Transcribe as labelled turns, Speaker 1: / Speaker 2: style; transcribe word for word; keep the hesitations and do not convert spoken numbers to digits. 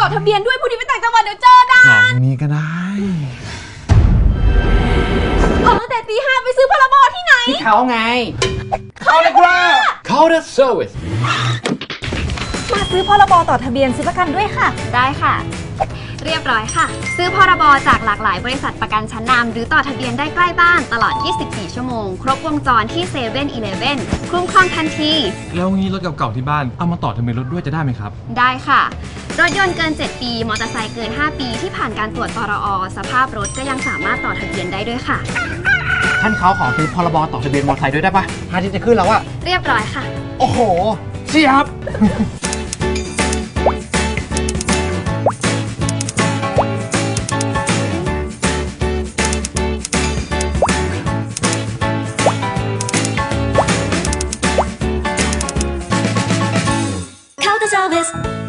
Speaker 1: อทะเบียนด้วยผู้ที่ไปต่างจังหวัดเดี๋ยวเจอด่า
Speaker 2: หลอกนี้ก็ได้
Speaker 1: ออกตั้งแต่ตีห้าไปซื้อพรบที่ไหน
Speaker 3: ที่เขาไง
Speaker 1: เขาเลยครับ
Speaker 3: Counter Service
Speaker 1: มาซื้อพรบต่อทะเบียนซื้อประกันด้วยค่ะได้ค่ะเรียบร้อยค่ะซื้อพรบจากหลากหลายบริษัทประกันชั้นนำหรือต่อทะเบียนได้ใกล้บ้านตลอดยี่สิบสี่ชั่วโมงครบวงจรที่เซเว่นอีเลฟเว่นคุ้มครองทันที
Speaker 2: แล้วงี้รถเก่าๆที่บ้านเอามาต่อทะเบียนรถด้วยจะได้ไหมครับ
Speaker 1: ได้ค่ะรถยนต์เกินเจ็ดปีมอเตอร์ไซค์เกินห้าปีที่ผ่านการตรวจตรอสภาพรถก็ยังสามารถต่อทะเบียนได้ด้วยค่ะ
Speaker 3: ท่านเขาขอซื้อพรบต่อทะเบียนมอเตอร์ไซค์ด้วยได้ปะพาทิตย์จะขึ้นแล้วอะ
Speaker 1: เรียบร้อยค่ะ
Speaker 3: โอ้โหเชียบ
Speaker 1: Counter Service